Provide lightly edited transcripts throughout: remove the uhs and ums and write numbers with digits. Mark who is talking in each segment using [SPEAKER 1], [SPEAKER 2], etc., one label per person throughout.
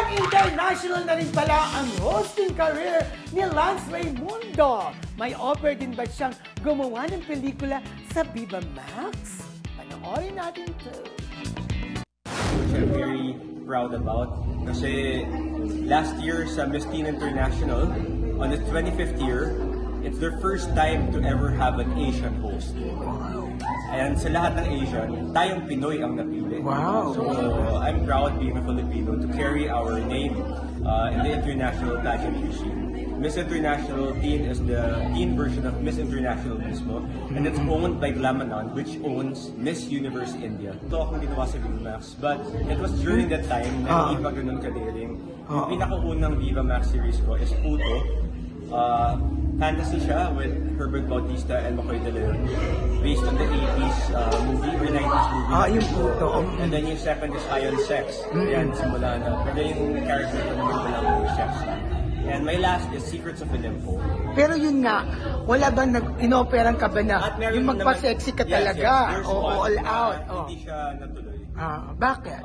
[SPEAKER 1] International na rin pala ang hosting career ni Lance Raimundo. May offer din ba siyang gumawa ng pelikula sa Viva Max? Panoorin natin to.
[SPEAKER 2] Which I'm very proud about. Kasi last year sa Miss Teen International, on its 25th year, it's their first time to ever have an Asian host. And sa lahat ng Asian, tayong Pinoy ang napili.
[SPEAKER 1] Wow.
[SPEAKER 2] So I'm proud being a Filipino to carry our name in the international pageant machine. Miss International Teen is the teen version of Miss International mismo. And it's owned by Glamanon, which owns Miss Universe India. Ito akong ginawa sa Viva Max. But it was during that time na hindi pa ganun kadaring. Yung pinakaunang Viva Max series ko is Puto. Fantasy siya with Herbert Bautista and McCoy De Leon, based on the 80s movie or 90s movie.
[SPEAKER 1] Yung Puto.
[SPEAKER 2] And then yung second is Ion Sex. Yan, simula na. Pero yung character ko naman wala ko yung sex. And my last is Secrets of Olympus.
[SPEAKER 1] Pero yun nga, wala ba inoperang ka ba na
[SPEAKER 2] At meron
[SPEAKER 1] yung
[SPEAKER 2] naman-
[SPEAKER 1] magpa-sexy ka
[SPEAKER 2] Yes,
[SPEAKER 1] talaga?
[SPEAKER 2] yes, there's
[SPEAKER 1] O
[SPEAKER 2] one,
[SPEAKER 1] all out?
[SPEAKER 2] Hindi siya natuloy.
[SPEAKER 1] Bakit?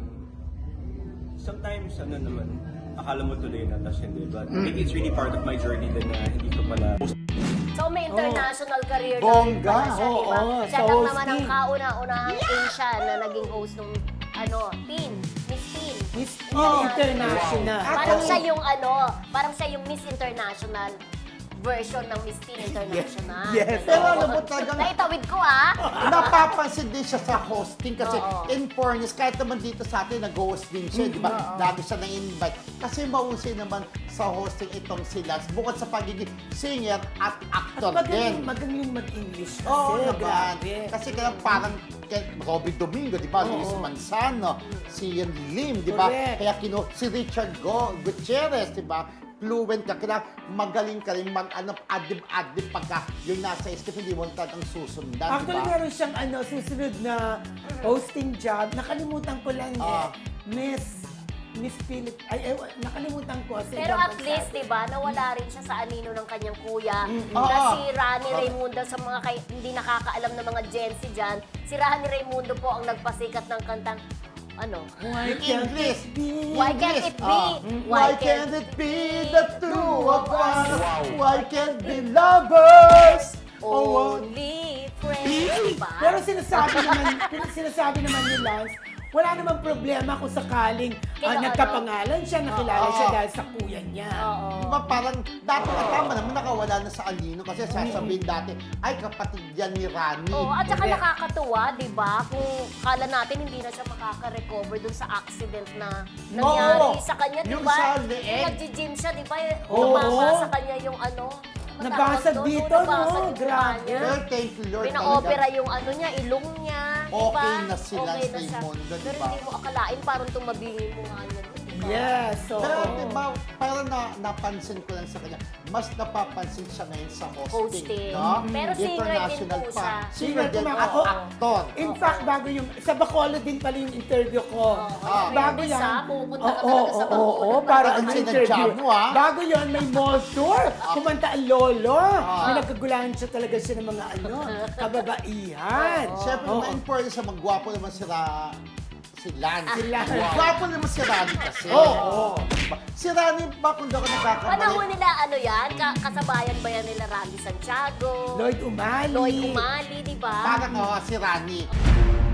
[SPEAKER 2] Sometimes, naman, akala mo tuloy na, tas hindi. But maybe it's really part of my journey din na hindi ko pala.
[SPEAKER 3] So may international career
[SPEAKER 1] Bongga,
[SPEAKER 3] na rin pala siya,
[SPEAKER 1] oo,
[SPEAKER 3] diba? Siya
[SPEAKER 1] sa
[SPEAKER 3] lang naman ang
[SPEAKER 1] hosting.
[SPEAKER 3] kauna-unahang Asian na naging host ng Teen, Miss Teen.
[SPEAKER 1] Miss International.
[SPEAKER 3] Parang siya yung parang siya yung Miss International version ng Miss Teen International.
[SPEAKER 1] Yes.
[SPEAKER 4] Pero alam mo talagang
[SPEAKER 3] Naitawid ko
[SPEAKER 4] napapansin din siya sa hosting kasi
[SPEAKER 3] Oo.
[SPEAKER 4] in fairness, kahit naman dito sa atin nag-host din siya, di ba? Lagi siya na-invite. Kasi mausay naman sa hosting itong si Lance, bukod sa pagiging singer at actor din.
[SPEAKER 1] Magaling mag-English kasi.
[SPEAKER 4] Oo naman.
[SPEAKER 1] Grabe.
[SPEAKER 4] Kasi kaya parang kay Robby Domingo, di ba? Luis Manzano, si Ian Lim, di ba?
[SPEAKER 1] Correct.
[SPEAKER 4] Kaya si Richard Gutierrez, di ba? Fluent ka, kaya magaling ka rin mag-adib-adib pagka yung nasa script, hindi mo talagang susundan, di
[SPEAKER 1] Actually,
[SPEAKER 4] ba?
[SPEAKER 1] meron siyang susunod na hosting job. Nakalimutan ko lang Miss Philip. Nakalimutan ko. Sa
[SPEAKER 3] Pero
[SPEAKER 1] ibang
[SPEAKER 3] at
[SPEAKER 1] bansa.
[SPEAKER 3] least, di ba, nawala rin siya sa anino ng kanyang kuya. Na
[SPEAKER 4] Oo.
[SPEAKER 3] si Rani Raimundo, sa mga hindi nakakaalam ng mga Gen Z dyan, si Rani Raimundo po ang nagpasikat ng kantang,
[SPEAKER 1] Why
[SPEAKER 4] In
[SPEAKER 1] can't
[SPEAKER 4] English.
[SPEAKER 1] it be?
[SPEAKER 3] Why can't it be?
[SPEAKER 4] Why can't it be the two of us? Why can't be lovers?
[SPEAKER 3] Only friends, diba?
[SPEAKER 1] Pero sinasabi naman ni Lance, wala namang problema kung sakaling nagkapangalan siya, nakilala siya dahil sa kuya niya.
[SPEAKER 4] Di ba parang dati tama naman nakawala na sa Alino kasi sasabihin dati, ay kapatid yan ni Rani.
[SPEAKER 3] Oo, at saka
[SPEAKER 1] Correct.
[SPEAKER 3] nakakatuwa, di ba? Kung kala natin hindi na siya makaka-recover dun sa accident na nangyari sa kanya, di
[SPEAKER 4] Yung
[SPEAKER 3] ba?
[SPEAKER 4] sa leeg.
[SPEAKER 3] Yung nag-gym siya, di ba?
[SPEAKER 1] Oo.
[SPEAKER 3] Tumama sa kanya yung
[SPEAKER 1] Nabasag
[SPEAKER 3] matawag doon,
[SPEAKER 1] dito,
[SPEAKER 3] nabasag
[SPEAKER 1] no?
[SPEAKER 3] yung
[SPEAKER 1] Grabe.
[SPEAKER 3] kanya.
[SPEAKER 4] Well, thank you Lord.
[SPEAKER 3] Pina-opera yung niya, ilong niya. di ba?
[SPEAKER 4] Okay na si Lance
[SPEAKER 3] Okay na siya.
[SPEAKER 4] Raimundo, di
[SPEAKER 3] Pero
[SPEAKER 4] ba?
[SPEAKER 3] hindi mo akalain, parang tumabingin mo nga niya. di ba?
[SPEAKER 1] Yes, so...
[SPEAKER 4] Pero di ba, parang napansin ko lang sa kanya, mas napapansin siya ngayon sa hosting.
[SPEAKER 3] Hosting.
[SPEAKER 4] No?
[SPEAKER 3] Pero singer din
[SPEAKER 4] International
[SPEAKER 3] po
[SPEAKER 4] pa.
[SPEAKER 3] siya.
[SPEAKER 4] Singer din
[SPEAKER 1] Singer
[SPEAKER 4] at
[SPEAKER 1] po.
[SPEAKER 4] actor.
[SPEAKER 1] In fact, bago yung... Sa Bacolod din pala yung interview ko. Bago
[SPEAKER 3] Fairness,
[SPEAKER 1] yan...
[SPEAKER 3] pupunta ka talaga sa Bacolod.
[SPEAKER 1] Oo, para
[SPEAKER 4] Parang
[SPEAKER 1] ang
[SPEAKER 4] sinadya
[SPEAKER 1] interview.
[SPEAKER 4] mo, ah.
[SPEAKER 1] Bago yon may mall tour. Kumanta ang lolo. May nagkagulahan siya talaga siya ng mga kababaihan.
[SPEAKER 4] Siyempre,
[SPEAKER 1] Oo.
[SPEAKER 4] ma-important siya, magwapo naman si Lance.
[SPEAKER 1] Si Lance.
[SPEAKER 4] Gwapo naman si Rani kasi.
[SPEAKER 1] Oo.
[SPEAKER 4] Si Rani ba kung daw ako nagkakamali?
[SPEAKER 3] Panahon nila yan, kasabayan ba yan nila Randy Santiago,
[SPEAKER 1] Lloyd Umali.
[SPEAKER 3] Lloyd Umali, di ba?
[SPEAKER 4] Parang si Rani.